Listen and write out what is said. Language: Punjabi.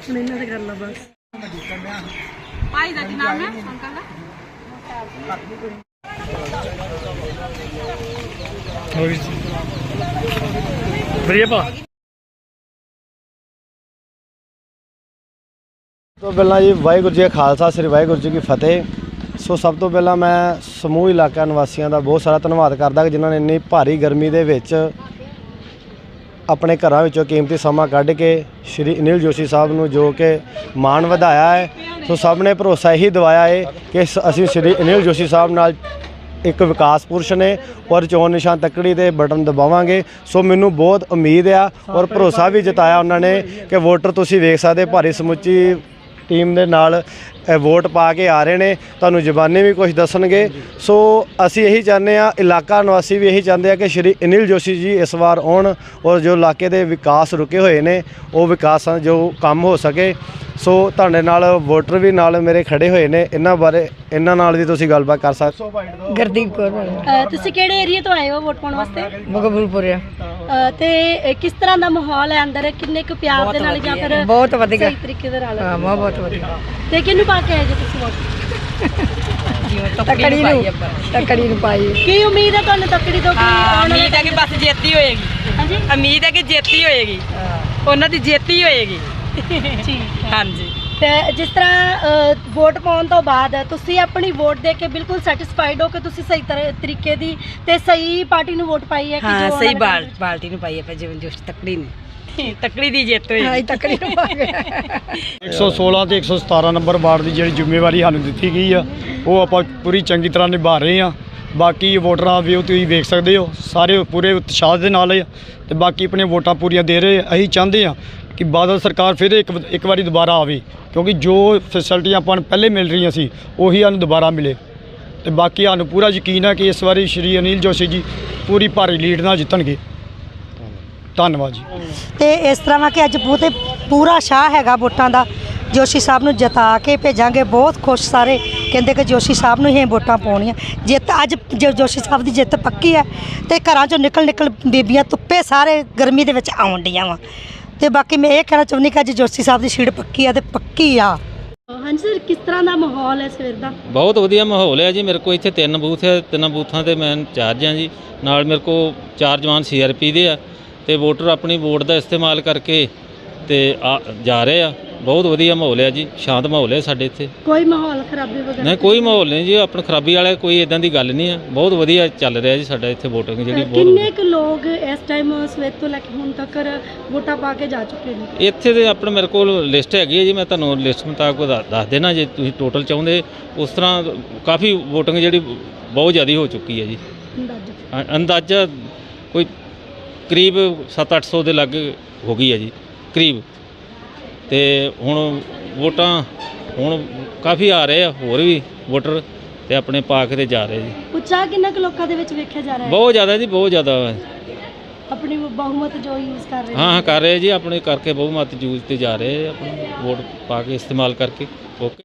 ਹੁਣ ਇਹਨਾਂ ਦੇ ਕਰ ਲਾ ਬਸ। ਭਾਈ ਦਾ ਕੀ ਨਾਮ ਹੈ ਅੰਕਲ ਦਾ? ਵਧੀਆ ਭਾ ਤੋਂ ਪਹਿਲਾਂ ਜੀ ਵਾਹਿਗੁਰੂ ਜੀ ਕਾ ਖਾਲਸਾ ਸ੍ਰੀ ਵਾਹਿਗੁਰੂ ਜੀ ਕੀ ਫਤਿਹ। ਸੋ ਸਭ ਤੋਂ ਪਹਿਲਾਂ ਮੈਂ ਸਮੂਹ ਇਲਾਕਾ ਨਿਵਾਸੀਆਂ ਦਾ ਬਹੁਤ ਸਾਰਾ ਧੰਨਵਾਦ ਕਰਦਾ ਕਿ ਜਿਨ੍ਹਾਂ ਨੇ ਇੰਨੀ ਭਾਰੀ ਗਰਮੀ ਦੇ ਵਿੱਚ ਆਪਣੇ ਘਰਾਂ ਵਿੱਚੋਂ ਕੀਮਤੀ ਸਮਾਂ ਕੱਢ ਕੇ ਸ਼੍ਰੀ ਅਨਿਲ ਜੋਸ਼ੀ ਸਾਹਿਬ ਨੂੰ ਜੋ ਕਿ ਮਾਣ ਵਧਾਇਆ ਹੈ। ਸੋ ਸਭ ਨੇ ਭਰੋਸਾ ਇਹੀ ਦਿਵਾਇਆ ਹੈ ਕਿ ਅਸੀਂ ਸ਼੍ਰੀ ਅਨਿਲ ਜੋਸ਼ੀ ਸਾਹਿਬ ਨਾਲ ਇੱਕ ਵਿਕਾਸ ਪੁਰਸ਼ ਨੇ ਔਰ ਚੋਣ ਨਿਸ਼ਾਨ ਤੱਕੜੀ ਦੇ ਬਟਨ ਦਬਾਵਾਂਗੇ। ਸੋ ਮੈਨੂੰ ਬਹੁਤ ਉਮੀਦ ਆ ਔਰ ਭਰੋਸਾ ਵੀ ਜਤਾਇਆ ਉਹਨਾਂ ਨੇ ਕਿ ਵੋਟਰ ਤੁਸੀਂ ਵੇਖ ਸਕਦੇ ਭਾਰੀ ਸਮੁੱਚੀ ਟੀਮ ਦੇ ਨਾਲ ਵੋਟ ਪਾ ਕੇ ਆ ਰਹੇ ਨੇ, ਤੁਹਾਨੂੰ ਜ਼ਬਾਨੀ ਵੀ ਕੁਝ ਦੱਸਣਗੇ। ਸੋ ਅਸੀਂ ਇਹੀ ਚਾਹੁੰਦੇ ਹਾਂ, ਇਲਾਕਾ ਨਿਵਾਸੀ ਵੀ ਇਹੀ ਚਾਹੁੰਦੇ ਆ ਕਿ ਸ਼੍ਰੀ ਅਨਿਲ ਜੋਸ਼ੀ ਜੀ ਇਸ ਵਾਰ ਆਉਣ ਔਰ ਜੋ ਇਲਾਕੇ ਦੇ ਵਿਕਾਸ ਰੁਕੇ ਹੋਏ ਨੇ ਉਹ ਵਿਕਾਸਾਂ ਜੋ ਕੰਮ ਹੋ ਸਕੇ। ਸੋ ਤੁਹਾਡੇ ਨਾਲ ਵੋਟਰ ਵੀ ਨਾਲ ਮੇਰੇ ਖੜੇ ਹੋਏ ਨੇ, ਇਹਨਾਂ ਨਾਲ ਵੀ ਤੁਸੀਂ ਗੱਲਬਾਤ ਕਰ ਸਕਦੇ। ਗੁਰਦੀਪ ਕੌਰ। ਤੁਸੀਂ ਕਿਹੜੇ ਏਰੀਆ ਤੋਂ ਆਏ ਹੋ ਵੋਟ ਪਾਉਣ ਵਾਸਤੇ? ਮਕਬੂਲਪੁਰ। ਤੇ ਕਿਸ ਤਰ੍ਹਾਂ ਦਾ ਮਾਹੌਲ ਹੈ ਅੰਦਰ? ਕਿੰਨੇ ਕੁ ਪਿਆਰ ਦੇ ਨਾਲ ਜਾਂ ਫਿਰ ਬਹੁਤ ਵਧੀਆ ਸਹੀ ਤਰੀਕੇ ਦੇ ਨਾਲ? ਹਾਂ ਬਹੁਤ ਵਧੀਆ। ਤੇ ਕਿਹਨੂੰ ਪਾ ਕੇ ਆਏ ਜੀ ਤੁਸੀਂ ਵੋਟ? ਤੱਕੜੀ ਨੂੰ ਪਾਈ। ਕੀ ਉਮੀਦ ਹੈ ਤੁਹਾਨੂੰ ਤੱਕੜੀ ਤੋਂ? ਉਮੀਦ ਹੈ ਕਿ ਬਸ ਜੇਤੀ ਹੋਏਗੀ। ਹਾਂਜੀ, ਉਮੀਦ ਹੈ ਕਿ ਜੇਤੀ ਹੋਏਗੀ, ਉਹਨਾਂ ਦੀ ਜੇਤੀ ਹੋਏਗੀ। ਠੀਕ। ਹਾਂਜੀ। ਤੇ ਜਿਸ ਤਰ੍ਹਾਂ ਵੋਟ ਪਾਉਣ ਤੋਂ ਬਾਅਦ ਤੁਸੀਂ ਆਪਣੀ ਵੋਟ ਦੇ ਕੇ ਬਿਲਕੁਲ ਸੈਟੀਸਫਾਈਡ ਹੋ ਕਿ ਤੁਸੀਂ ਸਹੀ ਤਰੀਕੇ ਦੀ ਤੇ ਸਹੀ ਪਾਰਟੀ ਨੂੰ ਵੋਟ ਪਾਈ ਹੈ? ਕਿ ਹਾਂ ਜੋ ਸਹੀ ਉਹਨਾਂ ਨੇ ਪਾਰਟੀ ਨੂੰ ਪਾਈ ਹੈ ਜੀਵਨ ਜੋਸ਼ ਤੱਕੜੀ ਨੇ। ਤੱਕੜੀ ਦੀ ਜਿੱਤ ਹੋਈ। ਹਾਂ ਤੱਕੜੀ ਨੂੰ ਪਾ ਕੇ 116 ਤੇ 117 ਨੰਬਰ ਵਾਰਡ ਦੀ ਜਿਹੜੀ ਜ਼ਿੰਮੇਵਾਰੀ ਸਾਨੂੰ ਦਿੱਤੀ ਗਈ ਆ ਉਹ ਆਪਾਂ ਪੂਰੀ ਚੰਗੀ ਤਰ੍ਹਾਂ ਨਿਭਾ ਰਹੇ ਆ। ਬਾਕੀ ਵੋਟਰਾਂ ਵੀ ਉਹ ਤੁਸੀਂ ਵੇਖ ਸਕਦੇ ਹੋ ਸਾਰੇ ਪੂਰੇ ਉਤਸ਼ਾਹ ਦੇ ਨਾਲ ਆ ਤੇ ਬਾਕੀ ਆਪਣੀਆਂ ਵੋਟਾਂ ਪੂਰੀਆਂ ਦੇ ਰਹੇ। ਅਸੀਂ ਚਾਹੁੰਦੇ ਆ ਕਿ ਬਾਦਲ ਸਰਕਾਰ ਫਿਰ ਇੱਕ ਵਾਰੀ ਦੁਬਾਰਾ ਆਵੇ, ਕਿਉਂਕਿ ਜੋ ਫੈਸਿਲਿਟੀਆਂ ਆਪਾਂ ਨੂੰ ਪਹਿਲੇ ਮਿਲ ਰਹੀਆਂ ਸੀ ਉਹੀ ਸਾਨੂੰ ਦੁਬਾਰਾ ਮਿਲੇ। ਤੇ ਬਾਕੀ ਸਾਨੂੰ ਪੂਰਾ ਯਕੀਨ ਹੈ ਕਿ ਇਸ ਵਾਰੀ ਸ਼੍ਰੀ ਅਨਿਲ ਜੋਸ਼ੀ ਜੀ ਪੂਰੀ ਭਾਰੀ ਲੀਡ ਨਾਲ ਜਿੱਤਣਗੇ। ਧੰਨਵਾਦ ਜੀ। ਤੇ ਇਸ ਤਰ੍ਹਾਂ ਵਾ ਕਿ ਅੱਜ ਪੂਰਾ ਸ਼ਾਹ ਹੈਗਾ ਵੋਟਾਂ ਦਾ। ਜੋਸ਼ੀ ਸਾਹਿਬ ਨੂੰ ਜਿਤਾ ਕੇ ਭੇਜਾਂਗੇ। ਬਹੁਤ ਖੁਸ਼ ਸਾਰੇ ਕਹਿੰਦੇ ਕਿ ਜੋਸ਼ੀ ਸਾਹਿਬ ਨੂੰ ਹੀ ਵੋਟਾਂ ਪਾਉਣੀਆਂ। ਜਿੱਤ ਅੱਜ ਜੋਸ਼ੀ ਸਾਹਿਬ ਦੀ ਜਿੱਤ ਪੱਕੀ ਹੈ ਤੇ ਘਰਾਂ ਚੋਂ ਨਿਕਲ ਬੀਬੀਆਂ ਧੁੱਪੇ ਸਾਰੇ ਗਰਮੀ ਦੇ ਵਿੱਚ ਆਉਣ ਡੀਆਂ ਵਾ। ਤੇ ਬਾਕੀ ਮੈਂ ਇਹ ਕਹਿਣਾ ਚਾਹੁੰਦੀ ਕਿ ਅੱਜ ਜੋਸ਼ੀ ਸਾਹਿਬ ਦੀ ਸੀਟ ਪੱਕੀ ਆ ਤੇ ਪੱਕੀ ਆ। ਹਾਂਜੀ ਸਰ, ਕਿਸ ਤਰ੍ਹਾਂ ਦਾ ਮਾਹੌਲ ਹੈ ਸਵੇਰ ਦਾ? ਬਹੁਤ ਵਧੀਆ ਮਾਹੌਲ ਹੈ ਜੀ। ਮੇਰੇ ਕੋਲ ਇੱਥੇ 3 ਬੂਥ ਹੈ, 3 ਬੂਥਾਂ ਤੇ ਮੈਂ ਇੰਚਾਰਜ ਹਾਂ ਜੀ। ਨਾਲ ਮੇਰੇ ਕੋਲ 4 ਜਵਾਨ CRP ਦੇ ਆ ਤੇ ਵੋਟਰ ਆਪਣੀ ਵੋਟ ਦਾ ਇਸਤੇਮਾਲ ਕਰਕੇ ਤੇ ਜਾ ਰਹੇ ਆ। ਬਹੁਤ ਵਧੀਆ ਮਾਹੌਲ ਹੈ ਜੀ, ਸ਼ਾਂਤ ਮਾਹੌਲ ਹੈ ਸਾਡੇ ਇੱਥੇ। ਕੋਈ ਮਾਹੌਲ ਖਰਾਬੀ ਵਗੈਰਾ ਨਹੀਂ, ਕੋਈ ਮਾਹੌਲ ਨਹੀਂ ਜੀ। ਆਪਣੀ ਖਰਾਬੀ ਵਾਲਾ ਕੋਈ ਇਦਾਂ ਦੀ ਗੱਲ ਨਹੀਂ ਹੈ। ਬਹੁਤ ਵਧੀਆ ਚੱਲ ਰਿਹਾ ਜੀ ਸਾਡਾ ਇੱਥੇ ਵੋਟਿੰਗ ਜਿਹੜੀ। ਕਿੰਨੇ ਕੁ ਲੋਕ ਇਸ ਟਾਈਮ ਸਵੇਰ ਤੋਂ ਲੈ ਕੇ ਹੁਣ ਤੱਕ ਵੋਟਾਂ ਪਾ ਕੇ ਜਾ ਚੁੱਕੇ ਨੇ? ਇੱਥੇ ਦੇ ਆਪਣੇ ਮੇਰੇ ਕੋਲ ਲਿਸਟ ਹੈਗੀ ਹੈ ਜੀ, ਮੈਂ ਤੁਹਾਨੂੰ ਲਿਸਟ ਮੁਤਾਬਕ ਦੱਸ ਦੇਣਾ ਜੇ ਤੁਸੀਂ ਟੋਟਲ ਚਾਹੁੰਦੇ। ਉਸ ਤਰ੍ਹਾਂ ਕਾਫੀ ਵੋਟਿੰਗ ਜਿਹੜੀ ਬਹੁਤ ਜ਼ਿਆਦਾ ਹੋ ਚੁੱਕੀ ਹੈ ਜੀ। ਅੰਦਾਜ਼ਾ ਕੋਈ ਕਰੀਬ 700-800 ਦੇ ਲਾਗੇ ਹੋ ਗਈ ਹੈ ਜੀ ਕਰੀਬ। ਤੇ ਹੁਣ ਵੋਟਾਂ ਹੁਣ ਕਾਫੀ ਆ ਰਹੇ ਆ ਹੋਰ ਵੀ ਵੋਟਰ ਤੇ ਆਪਣੇ ਪਾ ਕੇ ਤੇ ਜਾ ਰਹੇ ਜੀ। ਉਤਸ਼ਾਹ ਕਿੰਨਾ ਕੁ ਲੋਕਾਂ ਦੇ ਵਿੱਚ ਵੇਖਿਆ ਜਾ ਰਿਹਾ ਹੈ? ਬਹੁਤ ਜ਼ਿਆਦਾ ਜੀ, ਬਹੁਤ ਜ਼ਿਆਦਾ। ਆਪਣੀ ਬਹੁਮਤ ਜੋ ਯੂਜ਼ ਕਰ ਰਹੇ ਹਾਂ ਕਰ ਰਹੇ ਜੀ, ਆਪਣੇ ਕਰਕੇ ਬਹੁਮਤ ਯੂਜ਼ ਤੇ ਜਾ ਰਹੇ ਆਪਣੀ ਵੋਟ ਪਾ ਕੇ ਇਸਤੇਮਾਲ ਕਰਕੇ। ਓਕੇ।